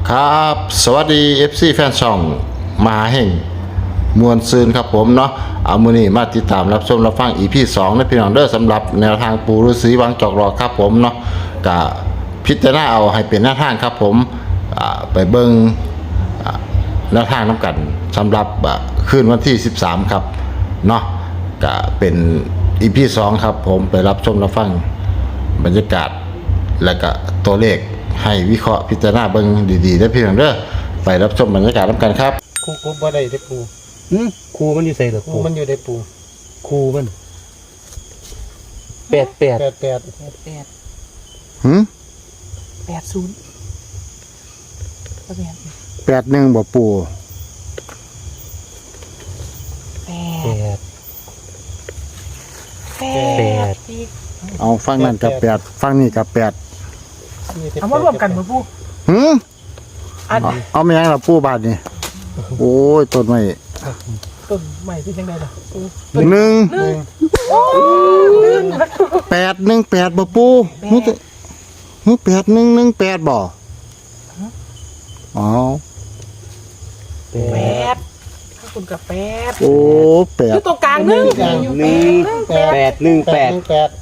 ครับสวัสดี FC แฟนช่องมหาแห่งมวลซืนครับผมเนาะเอามื้อนี้มาติดตามรับชมรับฟัง EP 2นะพี่น้องเด้อสำหรับแนวทางปูฤาษีวังจอกรอครับผมเนาะก็พิจารณาเอาให้เป็นแนวทางครับผมไปเบิ่งแนวทางนำกันสำหรับคืนวันที่13ครับเนาะก็เป็น EP 2ครับผมไปรับชมรับฟังบรรยากาศและก็ตัวเลขให้วิเคราะห์พิจารณาเบิ่งดีๆได้เพียงเด้อไปรับชมบรรยากาศนำกันครับครูบ่ได้ได้ปูครูมันอยู่ใส่หรอครูมันอยู่ได้ปูครูมันแปดแปดหืม 80ก็แบบ 81บ่ปู่แป 8 ดเอาฟังนั่นกับ8ฟังนี่กับ8 เอามารวมกันบ่ปู่หืมอันเอามายังล่ะปู่บาดนี่โอ้ยต้นไม้ต้นใหม่ที่จังได๋ล่ะ 818บ่ปู่ฮู้8118บ่อ๋อแปด 8ถ้าคุณกับ8 โอ้อยู่ตรงกลางนึงแปดหนึ่งแปดแปด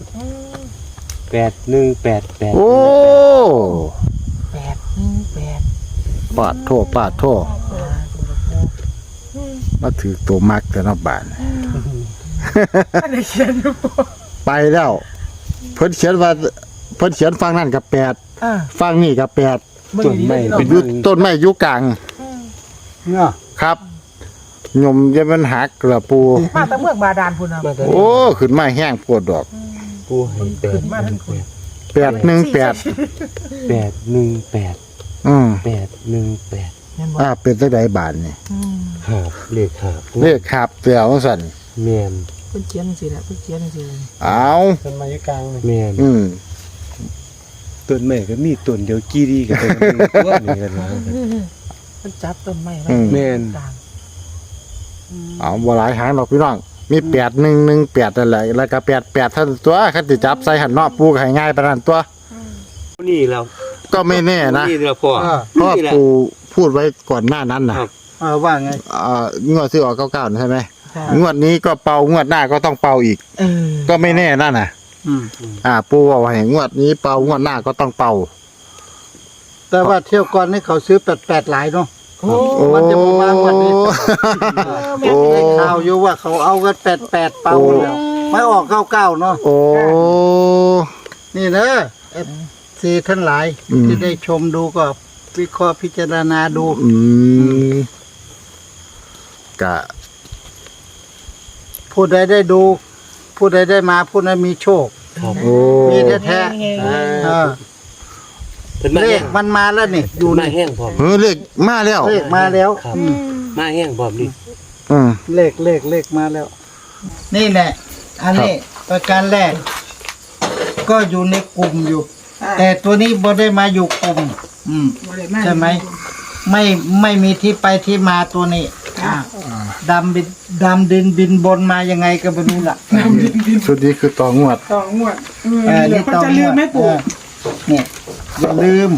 โอ้ 818 ปาดโทษมาถือตัวมักแต่นอกบ้านอันนี้เขียนอยู่ไปแล้ว เพิ่นเขียนฟังนั่นกับฟังนี่กับต้นไม้เป็นอยู่ต้นไม้อยู่กลางเนาะครับยมจะมันหักละปูมาแต่เมืองบาดาลพุ่นน่ะมาแต่โอ้ขึ้นมาแห้งปวดดอกปูให้แปดมาทั้งคุณ 818 แปดหนึ่งแปดอืมแปดหนึ่งแปดแม่นบ่เป็นจังไดบาดนี่หาบเลขหาบเลขครับเตียวสั่นแมนเพิ่นเขียนจังซี่แหละเพิ่นเขียนจังซี่เลยเอาต้นไม้อยู่กลางเลยแมนต้นไม้ก็มีต้นเดียวกี่ดีกับต้นตัวนี่กันนะเพิ่นจับต้นไม้ไว้แมนกลางเอาบ่หลายหางดอกพี่น้องมี8118นั่นแหละแล้วก็88ท่านตัวคันสิจับใส่หันเนาะปูก็ให้ง่ายปานนั้นตัวนี่แล้วก็ไม่แน่นะนี่แล้วพ่อเพราะนี่แหละปูพูดไว้ก่อนหน้านั้นนะครับว่าไงงวดซื้อออก99ใช่ไหมใช่งวดนี้ก็เป่างวดหน้าก็ต้องเป่าอีก ก็ไม่แน่นั่นน่ะ ปูว่าให้งวดนี้เป่างวดหน้าก็ต้องเป่าแต่ว่าเที่ยวก่อนนี่เขาซื้อ88หลายเนาะโอ้มันจะประมาณวันนี้โอ้ได้ข่าวอยู่ว่าเขาเอากัน88เป่าแล้วไม่ออก99เนาะโอ้นี่นะซีท่านหลาย ที่ได้ชมดูก็วิเคราะห์พิจารณาดูกะผู้ใดได้ดู ผู้ใดได้มาผู้นั้นมีโชคโอ้มีแท้ๆเพิ่นมาเลแห้ขงมันมาแล้วนี่อยู่มานี่แห้งพร้อมเลขมาแล้วเลขมาแล้วครับมาแห้งพร้อมนี่อืมเลขมาแล้ว นี่แหละ อันนี้ประการแรก ก็อยู่ในกลุ่มอยู่ แต่ตัวนี้บ่ได้มาอยู่กลุ่ม ใช่ไหมไม่มีที่ไปที่มาตัวนี้ดำดินบินบนมายังไงก็ไม่รู้ล่ะชุดนี้คือต่องวดต่องวดเดี๋ยวจะลืมไหมปู่เนี่ยอย่าลืม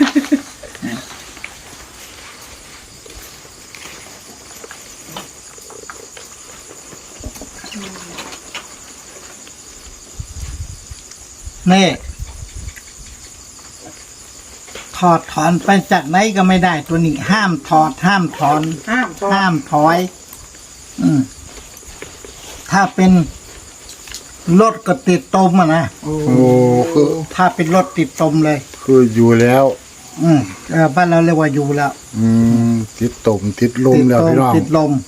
นี่ถอดถอนไปจากไหนก็ไม่ได้ตัวนี้ ห้ามถอด ห้ามถอน ห้ามถอย ถ้าเป็นรถก็ติดตมอ่ะนะโอ้คือถ้าเป็นรถติดตมเลยคืออยู่แล้วบ้านเราเรียกว่าอยู่แล้วติดตมติดลมแล้วพี่น้องติดลม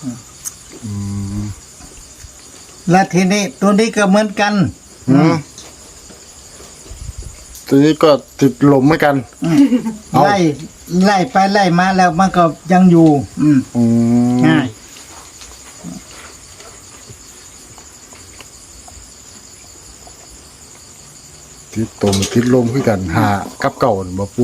และทีนี้ตัวนี้ก็เหมือนกันตัวนี้ก็ติดลมเหมือนกัน เอาไล่ไปไล่มาแล้วมันก็ยังอยู่ ง่ายติดตมติดลมคือกันหากับเก่าบ่ปู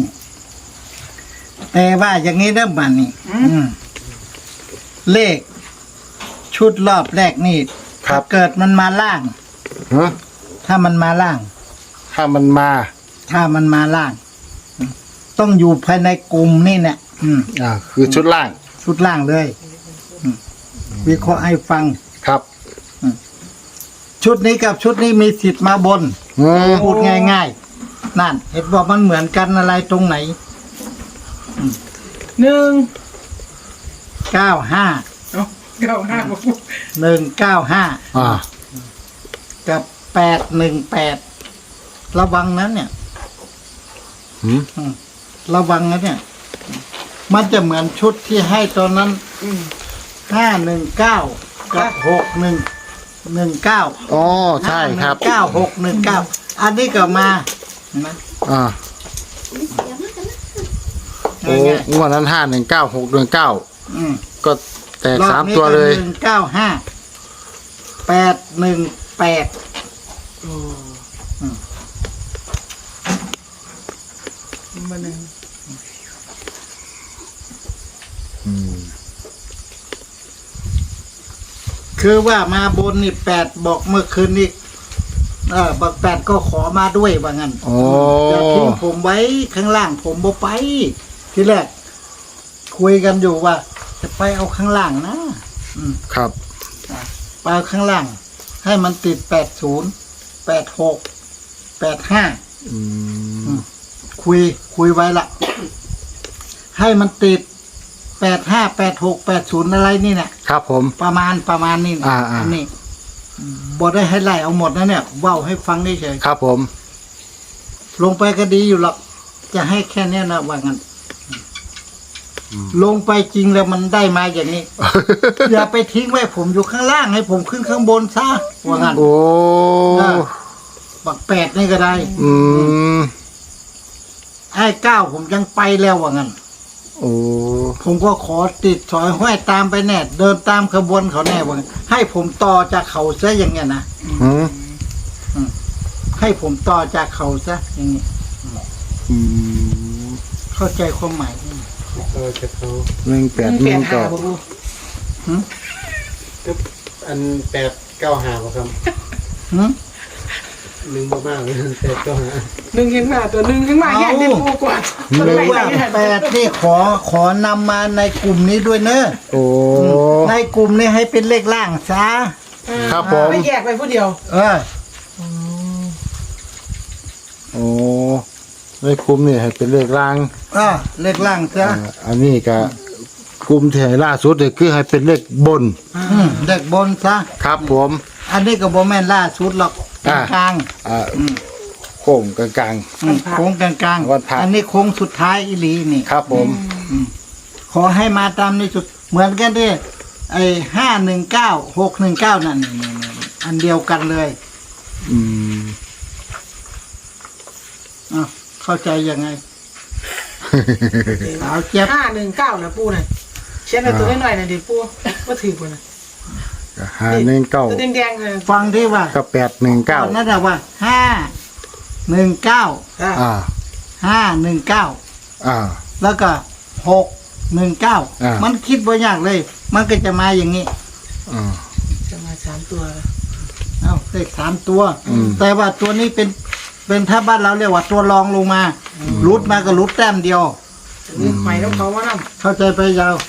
แต่ว่าอย่างนี้เริ่มบันนี่เลข ชุดรอบแรกนี่ ถ้าเกิดมันมาล่างฮะถ้ามันมาล่างถ้ามันมาถ้ามันมาล่าง ตต้องอยู่ภายในกลุ่มนี่เนี่ยคือชุดล่างชุดล่างเลยวิเคราะห์ให้ฟังครับชุดนี้กับชุดนี้มีสิทธิ์มาบน พูดง่ายๆนั่นเห็นบอกมันเหมือนกันอะไรตรงไหน 1 95 เอ้า95บ่ปู 195 กับ 818 ระวังนั้นเนี่ยหืมระวังนะเนี่ย มันจะเหมือนชุดที่ให้ตอนนั้น 519 กับ 6119 อ๋อใช่ครับ 619 อันนี้ก็มาเห็นไหมโอ้งวดนั้น519 619 อืมก็แตกรอบ 3 นี้ตัวเลยก็195 818 มาหนึ่งคือว่ามาบนนี่8บอกเมื่อคืนนี้บอก8ก็ขอมาด้วยว่างั้นโอ้อย่าทิ้งผมไว้ข้างล่างผมบ่ไป ทีแรกคุยกันอยู่ว่า จะไปเอาข้างล่างนะครับ ไปเอาข้างล่าง ให้มันติด80 86 85 อืมคุยไว้ละให้มันติด85 86 80อะไรนี่เนี่ยครับผมประมาณนี่นะอ่านนี้บอได้ให้ไล่เอาหมดนะเนี่ยเว้าให้ฟังเฉยครับผมๆลงไปก็ดีอยู่หรอกจะให้แค่เนี้ยนะว่างั้นลงไปจริงแล้วมันได้มาอย่างนี้ อย่าไปทิ้งไว้ผมอยู่ข้างล่างให้ผมขึ้นข้างบนซะว่างั้นโอ้บัก8นี่ก็ได้อืมไอ้9ผมยังไปแล้วว่างั้นโอ้ผมก็ขอติดถอยห้อยตามไปแน่เดินตามขบวนเขาแน่ว่างั้นให้ผมต่อจากเขาซะอย่างเงี้ยนะหืมให้ผมต่อจากเขาซะอย่างนี้อืมเข้าใจความหมายไหมจะเขา 181ก็บ่ปูก็อัน895บ่ครับหืม 1บ่มากเลย895 1เห็นมาตัว1ขึ้นมาแยกได้ปูกว่าหรือว่า8นี่ขอนำมาในกลุ่มนี้ด้วยเนอะโอ้ในกลุ่มนี้ให้เป็นเลขล่างซะครับผมไม่แยกไปผู้เดียวโอ้ในคุมนี่ให้เป็นเลขล่างเลขล่างซะอันนี้ก็คุมที่ให้ล่าสุดนี่คือให้เป็นเลขบนเลขบนซะครับผมอันนี้ก็บ่แม่นล่าสุดหรอกกลางโค้งกลางโค้งกลางวันพระอันนี้โค้งสุดท้ายอีหลีนี่ๆครับผมขอให้มาตามในสุดเหมือนกันดิไอ้519 619นั่นนี่อันเดียวกันเลยอืมเข้าใจยังไง สาวเจี๊ยบ 519นะปูน่ะเขียนเอาตัวน้อยๆน่ะดิปูบ่ถือบ่น่ะ 519 ตัวแดงๆเลยฟังที่ว่ากับก่อน 819 นั่นแหละว่า519 อ่า 519 อ่าแล้วก็619 มันคิดบ่ยากเลย มันก็จะมาอย่างนี้จะมา3ตัวเลข3ตัว แต่ว่าตัวนี้เป็นถ้าบ้านเราเรียกว่าตัวรองลงมารุดมาก็รุดแต้มเดียวนี่ใหม่ต้องเขาว่านำเข้าใจไปยาว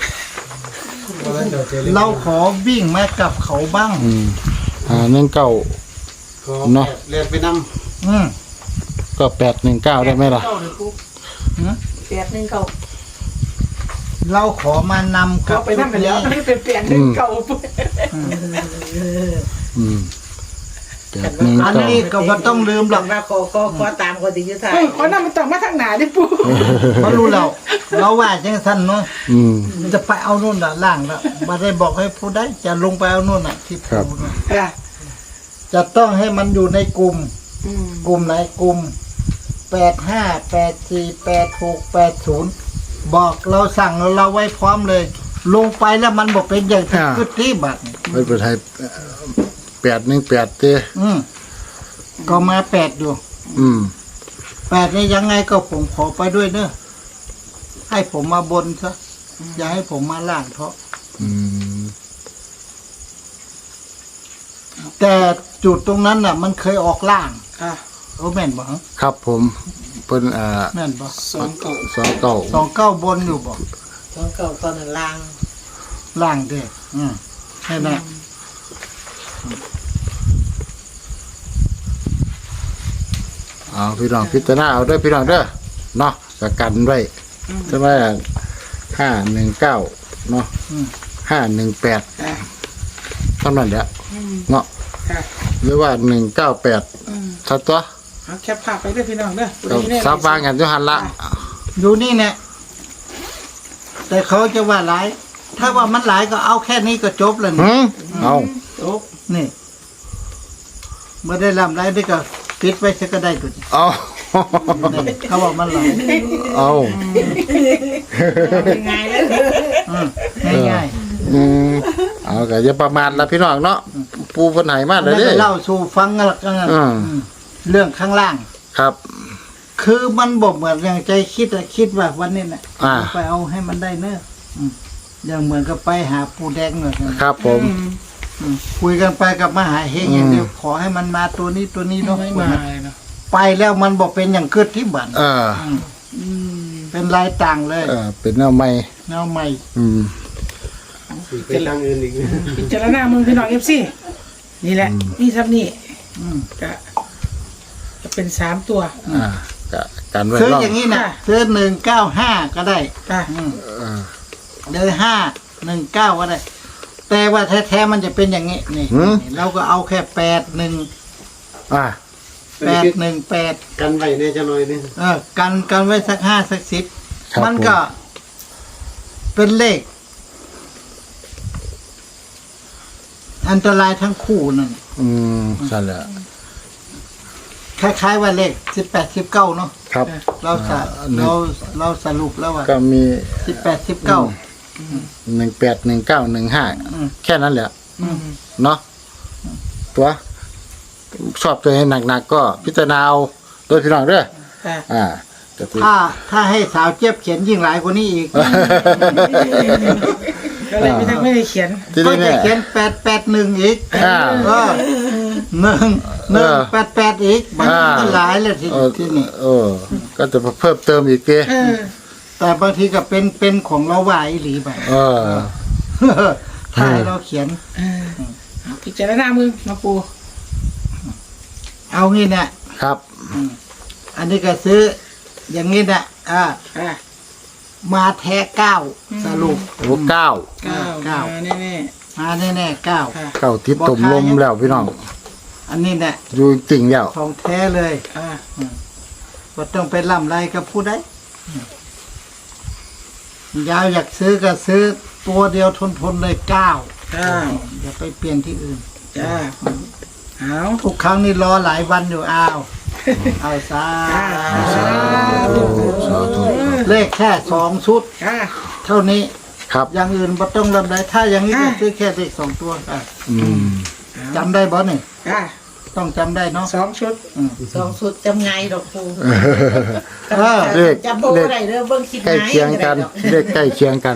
เราขอวิ่งมากับเขาบ้าง 19 เนาะเรียกไปนำอืมก็819ได้ไหมล่ะ 819 เราขอมานำกัเขาบไปนำไปแล้วนี่เป็น819ปูอืมอันนี้ก็บ่ต้องลืมหรอกมาขอตามคนที่อยุทธาเฮ้ยเขานำมันต้องมาทางหน้าดิปูเพราะรู้แล้วเราว่าจังสั้นเนาะอืมจะไปเอานู่นน่ะล่างแล้วบ่ได้บอกให้ผู้ใดจะลงไปเอานู่นน่ะที่ครับผู้น่ะอ่ะจะต้องให้มันอยู่ในกลุ่ม กลุ่มไหนกลุ่ม85 84 86 80บอกเราสั่งเราไว้พร้อมเลย ลงไปแล้วมันบอกเป็นอย่างที่คือที่บัดไม่เป็นไร818เต้ก็มา8อยู่อืม 8นี่ยังไงก็ผมขอไปด้วยเนอะให้ผมมาบนซะอย่าให้ผมมาล่างเถอะอืมแต่จุดตรงนั้นน่ะ มันเคยออกล่างอ่ะโอ้แม่นบ่ฮะครับผมเพิ่นแม่นบ่ 29 บนอยู่บ่ต้องเก่าตอนนั้นล่างล่างเด้แค่นั้นเอาพี่น้องพิจารณาเอาเด้อพี่น้องเด้อเนาะจะกันไว้ใช่ไหม519เนาะ518เท่านั้นแหละเนาะค่ะหรือว่า198ถ้าตัวเอาแคปภาพไปด้วยพี่น้องเด้อก็ซับวางกันอยู่หั่นละอยู่นี่เนี่ยแต่เขาจะว่าหลาย ถ้าว่ามันหลายก็เอาแค่นี้ก็จบแล้วนี่เอาจบนี่ไม่ได้ลำไรได้ก็ปิดไว้ซะก็ได้ตัวนี้เอานี่เขาบอกมันหลายเอายังไงเลยง่ายเอาก็อย่าประมาทละพี่น้องเนาะปูเพิ่นให้มาๆแล้แล้ว วเด้ก็เล่าสู่ฟังกันละกัน เรื่องข้างล่างครับคือมันบอกเหมือนอย่างใจคิดอะคิดว่าวันนี้น่ะ ไปเอาให้มันได้เนอะอย่างเหมือนกับไปหาปูแดงเนอะครับผมคุยกันไปกับมหาเฮงอย่างเดียวขอให้มันมาตัวนี้เนาะไม่มาเลยเนาะไปแล้วมันบอกเป็นอย่างเกิดที่บัน เป็นลายต่างเลยเป็นแนวใหม่แนวใหม่สิไปทางอื่นอีกพิจารณามึงพี่น้อง FC นี่แหละนี่ครับนี่ก็จะเป็น3ตัวก็กันไว้ซื้อรอบอย่างนี้นะค่ะซื้อ195ก็ได้ค่ะเดือ519ก็ได้ แต่ว่าแท้ๆมันจะเป็นอย่างนี้นี่เราก็เอาแค่81 อ่า 818 กันไว้เนี่ยจะหน่อยนึงกันไว้สัก5สักครับ 10มันก็เป็นเลข อันตรายทั้งคู่นั่นใช่แล้วคล้ายๆว่าเลข18 19เนาะครับเราสรุปแล้วว่าก็มี 18 19 18 19 15แค่นั้นแหละเนาะตัวชอบตัวให้หนักๆก็พิจารณาเอาโดยพี่น้องเด้อค่ะก็คือถ้าให้สาวเจี๊ยบเขียนยิ่งหลายกว่านี้อีกก็เลยไม่ได้เขียนที่ก็นี่จะเนี่ยเขียน881อีกอ่า 188อีกมันก็หลายเลยที่นี่ก็จะเพิ่มเติมอีกเก้แต่บางทีก็เป็นของเราว่าอีหลีไปถ้าให้เราเขียนพิจารณามึงมาปูเอางี้นะครับ อันนี้ก็ซื้อ อย่างนี้นะค่ะมาแท้9สรุปโอ้เก้า 9มาแน่มาแน่ๆ9 ๆค่ะเก้าทิศตมลมแล้วพี่น้องอันนี้เนี่ยอยู่จริงแล้วของแท้เลยค่ะว่าต้องไปล่ำไรกับผู้ใดยาวอยากซื้อก็ซื้อตัวเดียวทนเลย9 ค่ะอย่าไปเปลี่ยนที่อื่นจ้าเอาทุกครั้งนี่รอหลายวันอยู่เอาซาสาธุเลขแค่2 ชุดค่ะเท่านี้ครับอย่างอื่นบ่ต้องลำไรถ้าอย่างนี้ก็ซื้อแค่เลข2 ตัวจำได้บ่เนี่ยค่ะต้องจำได้เนาะ 2 ชุดสองสุดจำไงดอกปูเลขจำโบอะไรเด้อเบิ่งคิดใกล้ไงเคียงกันเลขใกล้เคียงกัน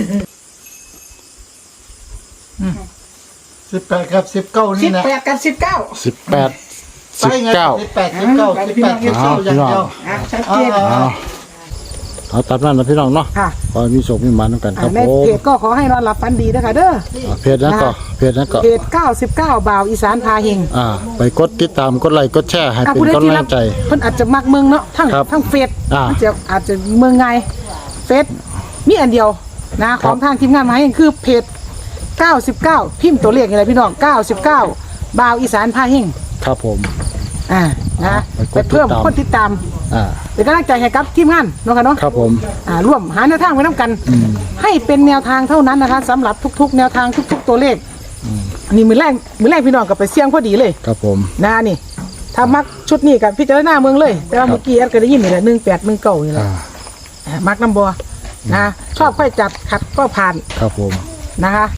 18กับ19นี่นะ 18กับ19 18 ไปไง 19 18 19 18 19อย่างเดียวชัดเจนเอาตามนั้นนะพี่น้องเนาะค่ะขอให้มีโชคมีหมันกันครับในผมเพจก็ขอให้นอนหลับฝันดีนะคะเด้อเพจนั้นก็เพจนั้นก็เพจ99บ่าวอีสานพาเฮงไปกดติดตามกดไลค์กดแชร์ให้เป็นผู้ใดกำที่ลัรังใจเพิ่นอาจจะมักเมืองเนาะทั้งครับทั้งเฟซมันอาจจะเมืองไงเฟซมีอันเดียวนะของทางทีมงานมาให้คือเพจ99พิมพ์ตัวเลขอะไรพี่น้อง99บ่าวอีสานพาเฮงครับผมนะไปกดติดตามไปเพิ่มคนติดตาม เป็นกำลังใจให้กับทีมงานเนาะค่ะเนาะครับผมร่วมหาแนวทางไว้น้ำกัน ให้เป็นแนวทางเท่านั้นนะคะสำหรับทุกๆ แนวทางทุกๆตัวเลขอันนี้มือแรกพี่น้องกับไปเสี่ยงพอดีเลยครับผมนะนี่ถ้ามักชุดนี้กับพิจารณาเมืองเลย แต่ว่าเมื่อกี้แอดก็ได้ยินนี่แหละ1819นี่แหละมักน้ำบัวนะชอบค่อยจัดขัดก็ผ่านครับผมนะคะ